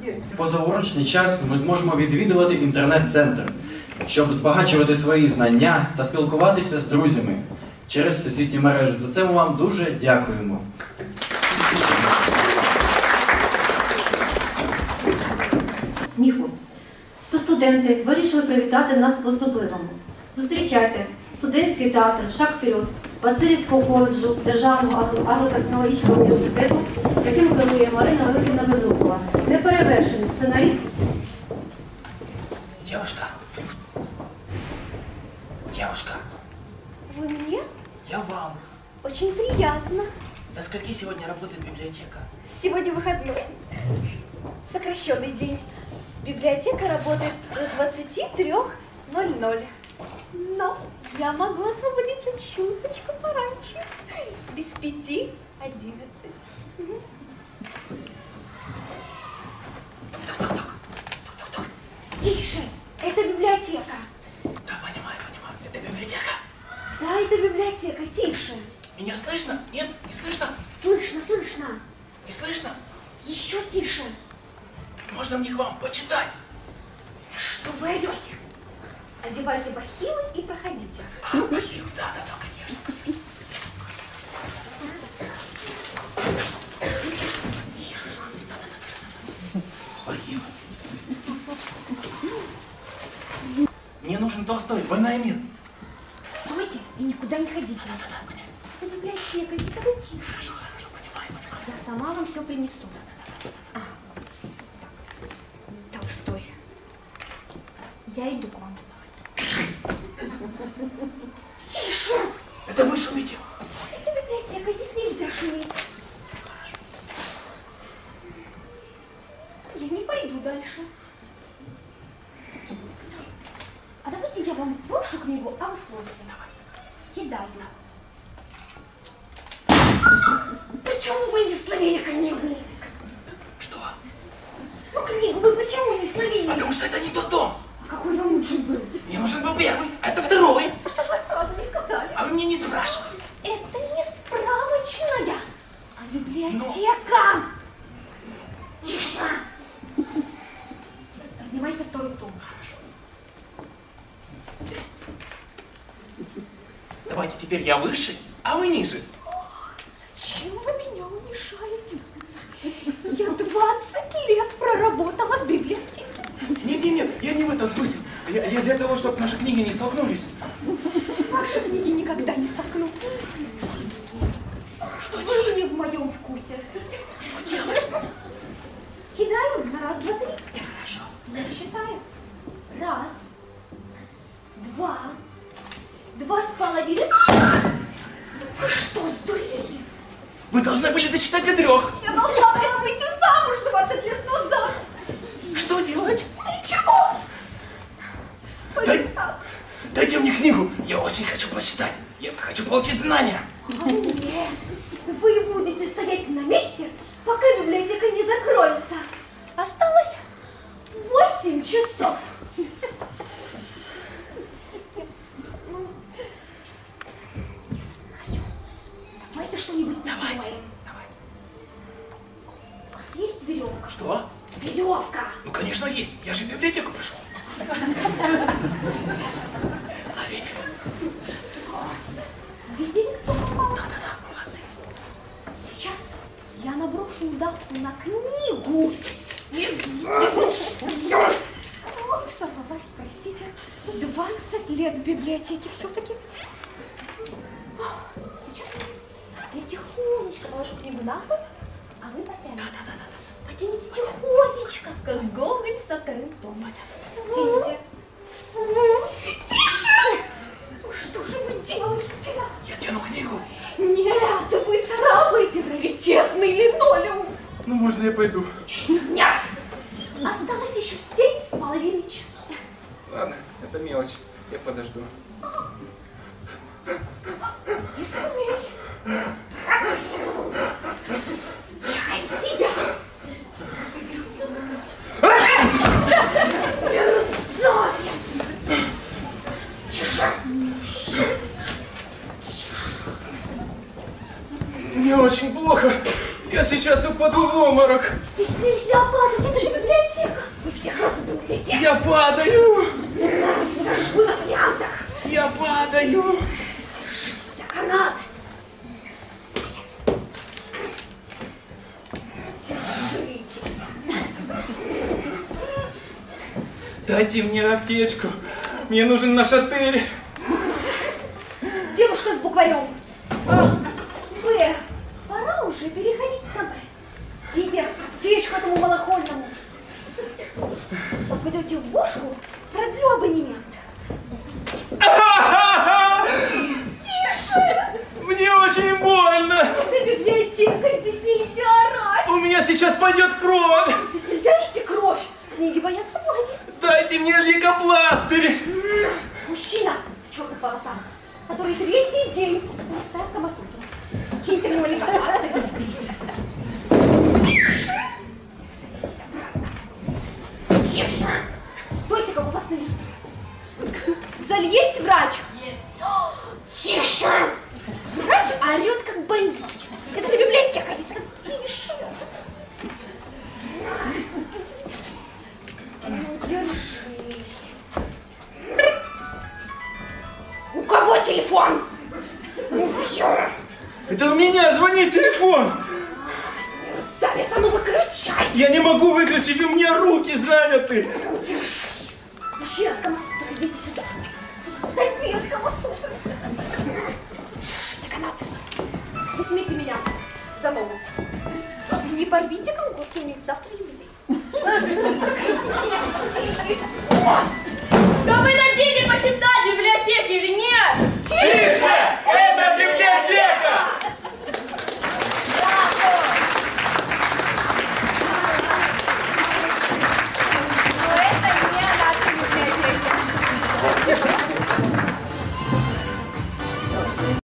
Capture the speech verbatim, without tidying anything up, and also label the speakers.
Speaker 1: В позаурочний час ми зможемо відвідувати інтернет-центр, щоб збагачувати свої знання та спілкуватися з друзями через сусідню мережу. За це ми вам дуже дякуємо.
Speaker 2: Сміху. То студенти вирішили привітати нас по-особливому. Зустрічайте студентський театр «Шаг вперед» Васильівського коледжу Державного агротехнологічного університету, яким керує Марина Леонтівна Безрукова. Неперевершений сценаріст.
Speaker 3: Девушка. Девушка.
Speaker 4: Вы мне?
Speaker 3: Я вам.
Speaker 4: Очень приятно.
Speaker 3: До скольки сегодня работает библиотека?
Speaker 4: Сегодня выходной. Сокращенный день. Библиотека работает до двадцати трёх ноль-ноль. Но я могу освободиться чуточку пораньше. Без пяти одиннадцать. Тише! Это библиотека.
Speaker 3: Да, понимаю, понимаю. Это библиотека.
Speaker 4: Да, это библиотека. Тише.
Speaker 3: Меня слышно? Нет? Не слышно?
Speaker 4: Слышно, слышно.
Speaker 3: Не слышно?
Speaker 4: Еще тише.
Speaker 3: Можно мне к вам почитать?
Speaker 4: Что вы орете? Одевайте бахилы и проходите.
Speaker 3: А, бахил, да, да, да, конечно. Бахил. Мне нужен Толстой, «Война и мир».
Speaker 4: Стойте и никуда не ходите.
Speaker 3: Да, да, да, понятно.
Speaker 4: Это библиотека, не событие.
Speaker 3: Хорошо, хорошо, понимаю, понимаю.
Speaker 4: Я сама вам все принесу. А. Толстой. Я иду к вам. Тише!
Speaker 3: Это вы шумите.
Speaker 4: Это библиотека, здесь нельзя шуметь. Я не пойду дальше. А давайте я вам брошу книгу, а вы смотрите. Кидаю. Почему вы не словили книгу?
Speaker 3: Что?
Speaker 4: Ну книгу вы почему не словили?
Speaker 3: Потому что это не тот дом.
Speaker 4: А какой вам нужен был?
Speaker 3: Мне нужен был первый, а это второй.
Speaker 4: А что ж вы сразу не сказали?
Speaker 3: А вы мне не спрашивали.
Speaker 4: Это не справочная, а библиотека. Тише. Поднимайте второй том.
Speaker 3: Хорошо. Давайте теперь я выше, а вы ниже.
Speaker 4: Зачем вы меня унижаете? Я двадцать лет проработала в библиотеке.
Speaker 3: Нет-нет-нет, я не в этом смысле. Я, я для того, чтобы наши книги не столкнулись.
Speaker 4: Ваши книги никогда не столкнутся.
Speaker 3: Что
Speaker 4: Вы
Speaker 3: делать?
Speaker 4: не в моем вкусе.
Speaker 3: Что делать?
Speaker 4: Кидаю на раз, два, три.
Speaker 3: Хорошо.
Speaker 4: Я считаю. Раз, два, два с половиной. Вы что, сдурели?
Speaker 3: Вы должны были досчитать до трех.
Speaker 4: Я должна была выйти замуж двадцать лет назад.
Speaker 3: Что делать?
Speaker 4: Ничего.
Speaker 3: Дай, дайте мне книгу. Я очень хочу прочитать. Я хочу получить знания.
Speaker 4: Нет, вы будете стоять на месте, пока библиотека не закроется. Осталось восемь часов. Ну, не знаю. Давайте что-нибудь
Speaker 3: Давайте.
Speaker 4: придумаем.
Speaker 3: Давай.
Speaker 4: У вас есть веревка?
Speaker 3: Что?
Speaker 4: Веревка.
Speaker 3: Ну, конечно, есть. Я же в библиотеку пришел. Ловите.
Speaker 4: Видели, кто попал?
Speaker 3: Да-да-да, молодцы.
Speaker 4: Сейчас я наброшу удавку на книгу. Ой, сорвалась, простите. двадцать лет в библиотеке все-таки. Сейчас я тихонечко положу книгу на пол, а вы потянете.
Speaker 3: Да-да-да.
Speaker 4: Потяните тихонечко, как Гоголь со вторым томом. Тяните. Тише! Что же вы делаете?
Speaker 3: Я тяну книгу.
Speaker 4: Нет, вы царапаете раритетный линолеум.
Speaker 3: Ну, можно я пойду?
Speaker 4: Нет! Осталось еще семь с половиной часов.
Speaker 3: Ладно, это мелочь. Я подожду.
Speaker 4: Не смей. Чай себя. Мерзавец. Тише.
Speaker 3: Мне очень плохо. Я сейчас упаду в обморок.
Speaker 4: Здесь нельзя падать, это же библиотека.
Speaker 3: Я падаю!
Speaker 4: Сожгу на вариантах!
Speaker 3: Я падаю!
Speaker 4: Держись за канат! Держитесь!
Speaker 3: Дайте мне аптечку. Мне нужен наш отель.
Speaker 4: Девушка с букварем. А, Б. Пора уже переходить на Б. Лидия, аптечку этому малохольному. Попадете в бошку, продлю абонемент. Тише!
Speaker 3: Мне очень больно.
Speaker 4: Это библиотека, здесь нельзя орать.
Speaker 3: У меня сейчас пойдет кровь.
Speaker 4: Здесь нельзя лить кровь. Книги боятся магии.
Speaker 3: Дайте мне лейкопластырь.
Speaker 4: Мужчина в черных волосах, который третий день не ставит Камасутру. Киньте в него лейкопластырь. Садитесь обратно. Тише! Стойте, как у вас на иллюстрации. В зале есть врач? Есть. Тише! Врач орет, как больной. Это же библиотека, здесь надо тише. Ну, держись. У кого телефон? Убью.
Speaker 3: Это у меня звонит телефон.
Speaker 4: Мерзавец, а ну выключай.
Speaker 3: Я не могу выключить, у меня руки заняты.
Speaker 4: Ну, держись. Мужчина с Камасутрой, идите сюда. Дай мне с Камасутрой. Держите канат. Возьмите меня за ногу. Не порвите колготки, у них завтра юбилей.